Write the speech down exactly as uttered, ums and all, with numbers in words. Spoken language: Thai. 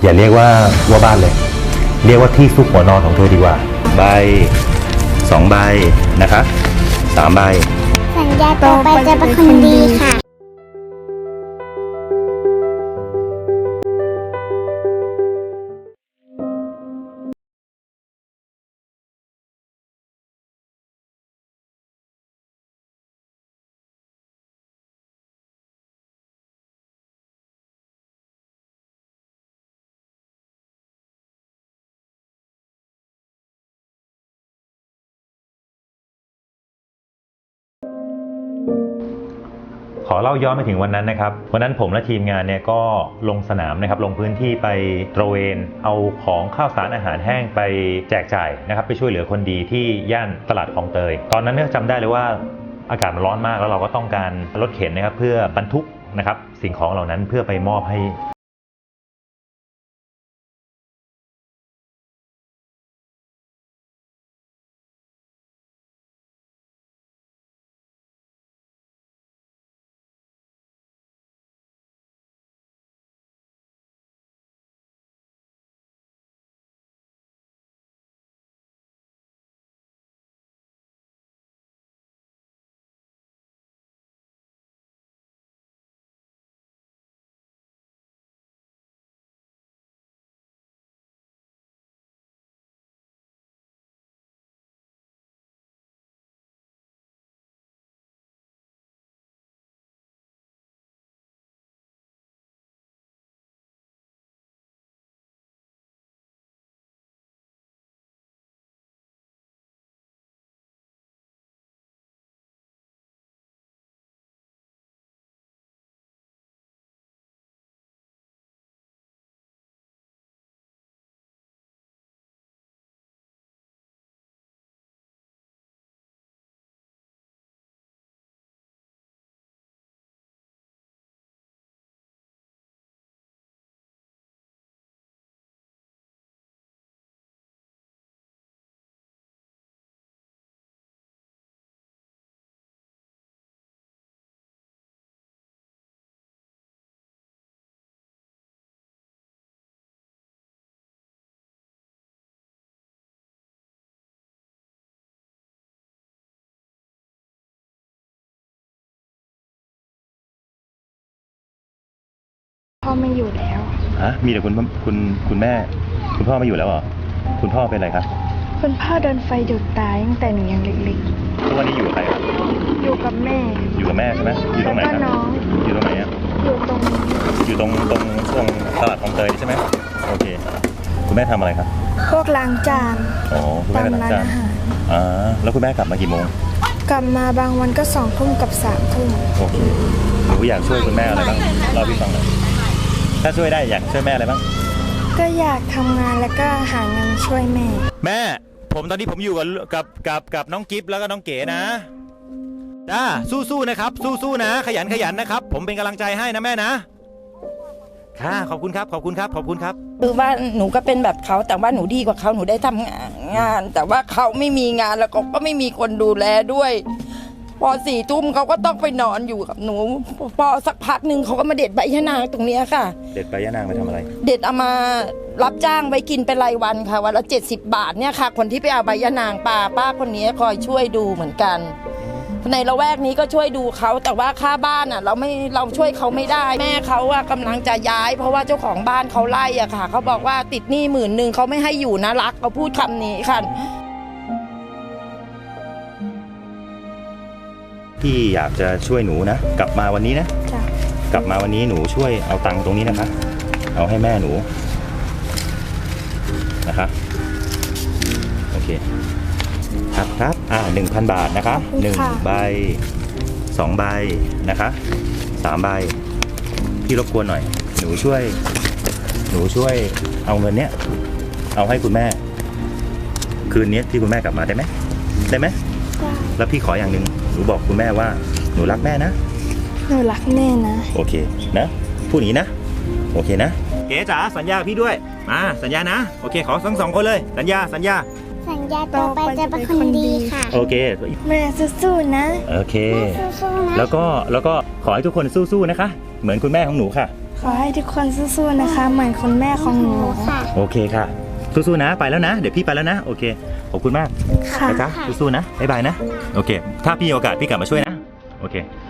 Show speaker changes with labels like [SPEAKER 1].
[SPEAKER 1] อย่าเรียกว่าว่าบ้านเลยเรียกว่าที่ซุกหัวนอนของเธอดีกว่าใบสองใบนะคะสามใบ
[SPEAKER 2] สัญญาต่อไปจะเป็นคนดีค่ะ
[SPEAKER 1] ขอเล่าย้อนไปถึงวันนั้นนะครับวันนั้นผมและทีมงานเนี่ยก็ลงสนามนะครับลงพื้นที่ไปตระเวนเอาของข้าวสารอาหารแห้งไปแจกจ่ายนะครับไปช่วยเหลือคนดีที่ย่านตลาดคลองเตยตอนนั้นเนี่ยจำได้เลยว่าอากาศมันร้อนมากแล้วเราก็ต้องการรถเข็นนะครับเพื่อบรรทุกนะครับสิ่งของเหล่านั้นเพื่อไปมอบให้
[SPEAKER 3] พ่อไม่อยู่แล้ว
[SPEAKER 1] ฮะมีแต่คุณคุณคุณแม่คุณพ่อไม่อยู่แล้วเหรอคุณพ่อเป็นอะไรครับ
[SPEAKER 3] คุณพ่อโดนไฟดูดตายตั้งแต่หนูยังเล็ก
[SPEAKER 1] ๆทุกวันนี้อยู่กับใครครับ
[SPEAKER 3] อยู่กับแม่
[SPEAKER 1] อยู่กับแม่ใช่ไหมอยู่ตรงไหนครับอยู่ตรงไหนอ่ะ
[SPEAKER 3] อยู่ตรง
[SPEAKER 1] อยู่ตรงตรงตรงตลาดคลองเตยใช่ไหมโอเคคุณแม่ทำอะไรครับ
[SPEAKER 3] พวกล้างจาน
[SPEAKER 1] อ๋อคุณแม่ล้างจานอ่าแล้วคุณแม่กลับมากี่โมง
[SPEAKER 3] กลับมาบางวันก็สองทุ่มกับสามทุ่ม
[SPEAKER 1] โอเคหนูอยากช่วยคุณแม่อะไรบ้างเล่าพี่ฟังหน่อยถ้าช่วยได้อยากช่วยแม่อะไรบ้าง
[SPEAKER 3] ก็อยากทำงานแล้วก็หาเงินช่วยแม่
[SPEAKER 1] แม่ผมตอนนี้ผมอยู่กับกับกับกับน้องกิฟต์แล้วก็น้องเก๋นะจ้าสู้ๆนะครับสู้ๆนะขยันขยันนะครับผมเป็นกำลังใจให้นะแม่นะค่ะขอบคุณครับขอบคุณครับขอบคุณครับ
[SPEAKER 4] คือว่าหนูก็เป็นแบบเขาแต่ว่าหนูดีกว่าเขาหนูได้ทำงานแต่ว่าเขาไม่มีงานแล้วก็ไม่มีคนดูแลด้วยพอสี่ทุ่มเขาก็ต้องไปนอนอยู่กับหนูพอสักพักหนึ่งเขาก็มาเด็ดใบยะนางตรงนี้ค่ะ
[SPEAKER 1] เด็ดใบยะนางไปทำอะไร
[SPEAKER 4] เด็ดเอามารับจ้างไว้กินเป็นรายวันค่ะวันละเจ็ดสิบบาทเนี่ยค่ะคนที่ไปเอาใบยะนางป้าป้าคนนี้คอยช่วยดูเหมือนกันในละแวกนี้ก็ช่วยดูเขาแต่ว่าค่าบ้านอ่ะเราไม่เราช่วยเขาไม่ได้แม่เขาอ่ะกำลังจะย้ายเพราะว่าเจ้าของบ้านเขาไล่อ่ะค่ะเขาบอกว่าติดหนี้หมื่นหนึ่งเขาไม่ให้อยู่นะรักเขาพูดคำนี้ค่ะ
[SPEAKER 1] พี่อยากจะช่วยหนูนะกลับมาวันนี้นะกลับมาวันนี้หนูช่วยเอาตังค์ตรงนี้นะคะเอาให้แม่หนูนะคะโอเคครับครับอ่าหนึ่งพันบาทนะคะหนึ่งใบสองใบนะคะสามใบพี่รบกวนหน่อยหนูช่วยหนูช่วยเอาเงินเนี้ยเอาให้คุณแม่คืนนี้ที่คุณแม่กลับมาได้ไหมได้ไหมแล้วพี่ขออย่างหนึ่งหนูบอกคุณแม่ว่าหนูรักแม่นะ
[SPEAKER 3] หนูรักแม่นะ
[SPEAKER 1] โอเคนะพูดอย่างนี้นะโอเคนะเก๋จ๋าสัญญาพี่ด้วยมาสัญญานะโอเคขอทั้งสองคนเลยสัญญาสัญญา
[SPEAKER 2] สัญญาต่อไปจะเป็นคนดีค่ะ
[SPEAKER 1] โอเค
[SPEAKER 3] แม่สู้ๆนะ
[SPEAKER 1] โอเคแล้วก็แล้วก็ขอให้ทุกคนสู้ๆนะคะเหมือนคุณแม่ของหนูค่ะ
[SPEAKER 3] ขอให้ทุกคนสู้ๆนะคะ เหมือนคุณแม่ของหนู
[SPEAKER 2] ค่ะ
[SPEAKER 1] โอเคค่ะสู้ๆนะไปแล้วนะเดี๋ยวพี่ไปแล้วนะโอเคขอบคุณมาก
[SPEAKER 3] ค่ะ
[SPEAKER 1] นะจ๊ะสู้ๆนะบ๊ายบายนะโอเคถ้าพี่มีโอกาสพี่กลับมาช่วยนะโอเค